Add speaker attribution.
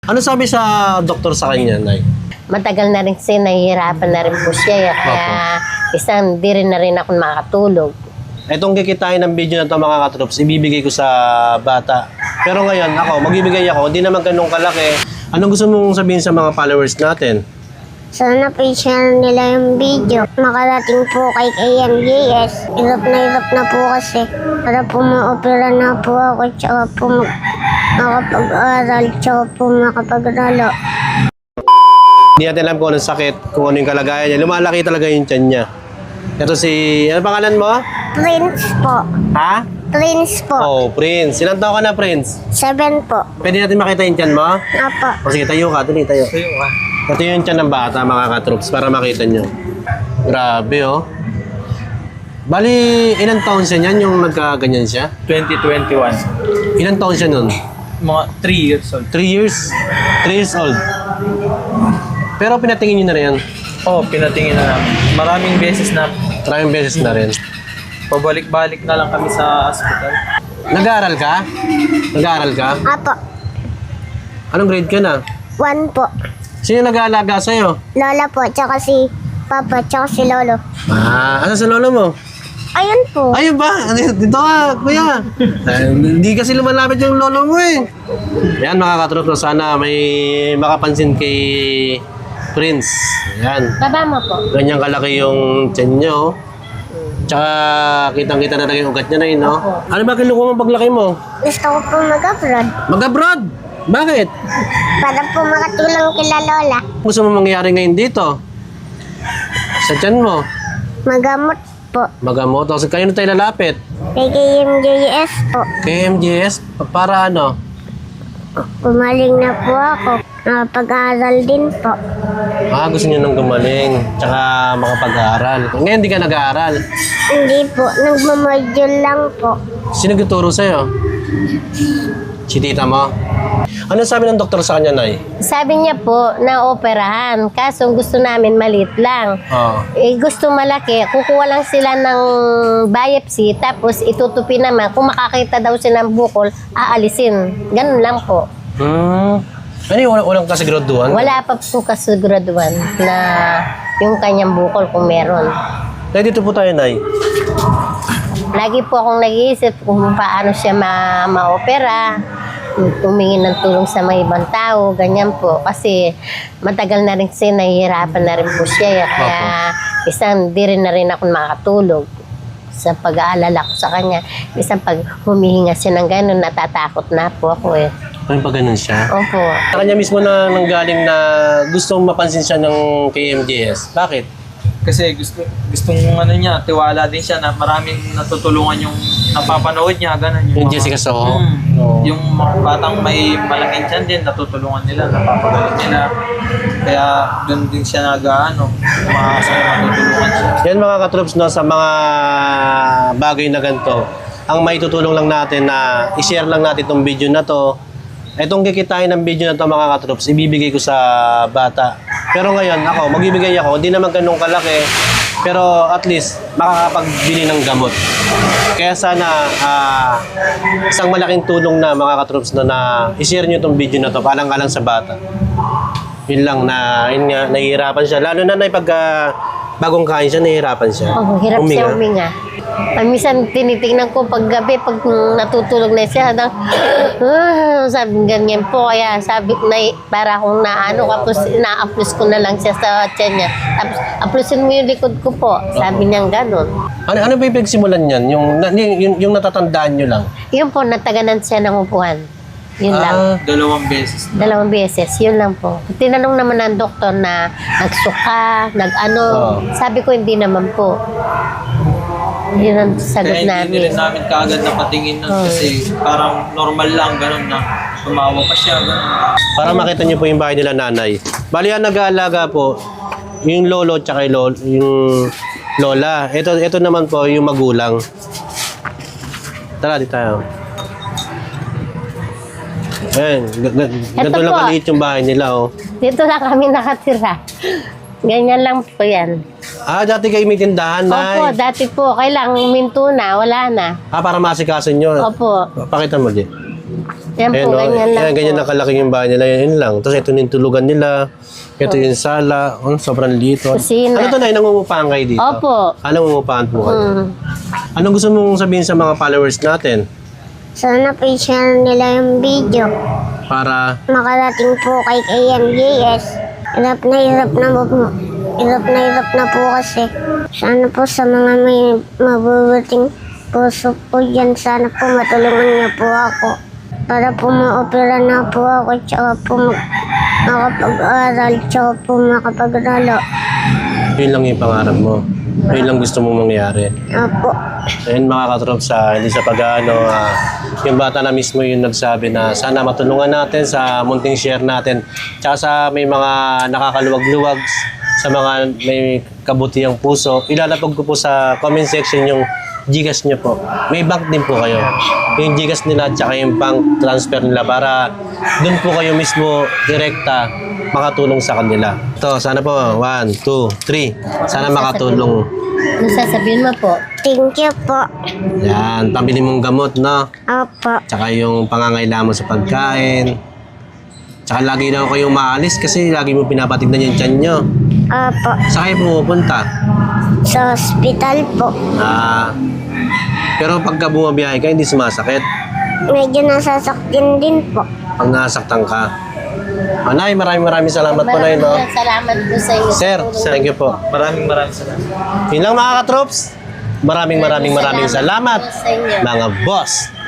Speaker 1: Ano sabi sa doktor sa kanya, Nay?
Speaker 2: Matagal na rin kasi nahihirapan na rin po siya. Kaya isang di rin na rin ako makatulog.
Speaker 1: Itong kikitain ng video na ito mga katrops, ibibigay ko sa bata. Pero ngayon, magbibigay ako, hindi naman ganun kalaki. Anong gusto mong sabihin sa mga followers natin?
Speaker 3: Sana pa-share nila yung video. Makarating po kay KMJS. Hirap na po kasi. Para po ma-opera na po ako. Tsaka po makapag-aral. Tsaka po makapag-ralo.
Speaker 1: Hindi natin alam kung anong sakit, kung ano yung kalagayan niya. Lumalaki talaga yung tiyan niya. Ito si... Ano pangalan mo?
Speaker 3: Prince po.
Speaker 1: Ha?
Speaker 3: Prince po.
Speaker 1: Oh, Prince. Ilang taon ka na, Prince?
Speaker 3: 7 po.
Speaker 1: Pwede natin makita yung tiyan mo?
Speaker 3: Apo.
Speaker 1: O sige, tayo ka. Tuloy, tayo. Ito yung tiyan ng bata, mga katrops, para makita nyo. Grabe, oh. Bali, ilang taon siya niyan yung nagkaganyan siya?
Speaker 4: 2021.
Speaker 1: Ilang taon siya nun?
Speaker 4: Mga 3 years old.
Speaker 1: 3 years? 3 years old. Pero pinatingin nyo na rin.
Speaker 4: Oo, pinatingin na namin. Maraming beses na
Speaker 1: Maraming beses na rin.
Speaker 4: pabalik-balik na lang kami sa hospital.
Speaker 1: Nag-aaral ka? Nag-aaral ka?
Speaker 3: Apo.
Speaker 1: Anong grade ka na?
Speaker 3: 1 po.
Speaker 1: Sino nag-aalaga sa'yo?
Speaker 3: Lola po. Tsaka si Papa. Tsaka si Lolo.
Speaker 1: Asa sa lolo mo?
Speaker 3: Ayun po.
Speaker 1: Ayun ba? Dito ka, kuya. Hindi kasi lumalapit yung lolo mo eh. Yan mga katropa, sana may makapansin kay Prince. Yan.
Speaker 2: Baba mo po.
Speaker 1: Ganyan kalaki yung tiyan niya, oh. Tsaka kitang-kita na lang yung ugat niya na yun, no? Ano ba kinukuha mo paglaki mo?
Speaker 3: Gusto ko po mag-abroad.
Speaker 1: Mag-abroad! Bakit?
Speaker 3: Para po makatulong kila Lola.
Speaker 1: Gusto mo mangyari ngayon dito? Sa tiyan mo?
Speaker 3: Magamot po.
Speaker 1: Magamot. O, kayo na tayo lalapit?
Speaker 3: Kay KMJS po.
Speaker 1: Kay MGS? Para ano?
Speaker 3: Gumaling na po ako. Pag-aaral din po.
Speaker 1: Gusto niyo nang gumaling, tsaka makapag-aaral. Ngayon, hindi ka nag-aaral.
Speaker 3: Hindi po. Nagmamodule lang po.
Speaker 1: Sino nagtuturo sa'yo? Si tita mo? Ano sabi ng doktor sa kanya, Nay?
Speaker 2: Sabi niya po na operahan. Kaso gusto namin maliit lang.
Speaker 1: Oo.
Speaker 2: Gusto malaki. Kukuha lang sila ng biopsy. Tapos itutupi naman. Kung makakita daw sila ng bukol, aalisin. Ganun lang po.
Speaker 1: Ano yung walang kasiguraduhan?
Speaker 2: Wala pa po kasiguraduhan na yung kanyang bukol kung meron.
Speaker 1: Nay, dito po tayo, Nay.
Speaker 2: Lagi po akong nag-iisip kung paano siya ma-opera, humingi ng tulong sa mga ibang tao, ganyan po. Kasi matagal na rin kasi nahihirapan na rin po siya. Kaya isang di rin na rin ako makatulog sa pag-aalala ko sa kanya. Isang pag humihinga siya ng gano'n, natatakot na po ako eh.
Speaker 1: Ano pa ganun siya?
Speaker 2: Opo.
Speaker 1: Sa kanya mismo na nanggaling na gustong mapansin siya ng KMJS. Bakit?
Speaker 4: Kasi gustong ano niya, tiwala din siya na maraming natutulungan yung napapanood niya, ganun.
Speaker 1: Yung
Speaker 4: mga-
Speaker 1: Jessica Soho?
Speaker 4: Oo. Yung mga batang may malaking tiyan din, natutulungan nila, napapagaling nila. Kaya doon din siya umaasa na matutulungan siya.
Speaker 1: Yan mga katrops, no, sa mga bagay na ganito, ang may tutulong lang natin na i-share lang natin itong video na to. Itong kikitain ng video na to mga katrops, ibibigay ko sa bata. Pero ngayon, magbibigay ako, hindi naman ganun kalaki, pero at least makakapagbili ng gamot. Kaya sana isang malaking tulong na mga katrops na i-share nyo itong video na to, palang-alang sa bata. Yun lang na, yun nga, nahihirapan siya. Lalo na pag bagong kain siya, nahihirapan siya.
Speaker 2: Oh, hirap siya huminga. Minsan tinitingnan ko pag gabi, pag natutulog na siya, sabi ganyan po. Kaya sabi ko na para akong tapos ina-applause ko na lang siya sa tiyan niya. Tapos applausein mo yung likod ko po. Sabi niya gano'n.
Speaker 1: Ano ba yung pinagsimulan niyan? Yung natatandaan nyo lang?
Speaker 2: Yun po, nataganan siya ng upuan. Yun lang.
Speaker 4: 2 beses.
Speaker 2: 2 beses, yun lang po. Tinanong naman ng doktor na nagsuka, sabi ko hindi naman po. Yun ang sagot
Speaker 4: Kaya hindi
Speaker 2: namin.
Speaker 4: rin namin kaagad na patingin nun kasi parang normal lang, ganun na tumawa pa siya, ganun.
Speaker 1: Para makita niyo po yung bahay nila nanay. Bali yan nag-aalaga po, yung lolo tsaka yung lola. Ito naman po yung magulang. Tara, di tayo. Ayan, ganito lang
Speaker 2: po.
Speaker 1: kaliit yung bahay nila, oh.
Speaker 2: Dito lang kami nakatira. Ganyan lang po yan.
Speaker 1: Dati kayo may tindahan,
Speaker 2: Opo,
Speaker 1: nay.
Speaker 2: dati po, kailangan minto na, wala na.
Speaker 1: Para masikasin nyo.
Speaker 2: Opo.
Speaker 1: Pakita mo, Di.
Speaker 2: Yan po, ganyan lang
Speaker 1: Yan, ganyan
Speaker 2: po.
Speaker 1: na kalaki yung bahay nila. Yan lang. Tapos ito yung tulugan nila. Ito yung sala. Sobrang liito.
Speaker 2: Kusina.
Speaker 1: Ano to na? Nangungupahan kayo dito?
Speaker 2: Opo.
Speaker 1: Nangungupahan po kayo?
Speaker 2: Mm.
Speaker 1: Anong gusto mong sabihin sa mga followers natin?
Speaker 3: Sana po i-share nila yung video.
Speaker 1: Para
Speaker 3: Makarating po kay AMJS. Hirap na po kasi. Sana po sa mga may mabubuting puso po dyan, sana po matulungan niyo po ako. Para po ma-opera na po ako, tsaka po makapag-aral, tsaka po makapag-ralo.
Speaker 1: yun lang yung pangarap mo. Yun lang gusto mong mangyari.
Speaker 3: Opo.
Speaker 1: Ayun mga katrop sa hindi sa pag-ano, yung bata na mismo yung nagsabi na sana matulungan natin sa munting share natin. Tsaka sa may mga nakakaluwag-luwag, sa mga may kabutihang puso, ilalapag ko po sa comment section yung Gcash niyo po. May bank din po kayo. Yung Gcash nila at saka yung bank transfer nila para doon po kayo mismo direkta makatulong sa kanila. Ito, sana po. 1, 2, 3. Sana makatulong.
Speaker 2: Ano sasabihin mo po?
Speaker 3: Thank you po.
Speaker 1: Yan, pambili mong gamot, no?
Speaker 3: Opo.
Speaker 1: Tsaka yung pangangailangan mo sa pagkain. Tsaka lagi na kayong maalis kasi lagi mo pinapatignan yung tiyan nyo.
Speaker 3: Opo.
Speaker 1: Saan kayo pumupunta?
Speaker 3: Sa hospital po.
Speaker 1: Pero pagka bumabiyahe ka, hindi sumasakit.
Speaker 3: Medyo nasasaktin din po.
Speaker 1: Pag nasaktan ka. Nay, maraming salamat po, Nay, no?
Speaker 2: Salamat po sa inyo.
Speaker 1: Sir, thank you po.
Speaker 4: Maraming salamat.
Speaker 1: Yun lang mga katrops. Maraming salamat,
Speaker 2: po sa inyo.
Speaker 1: mga boss.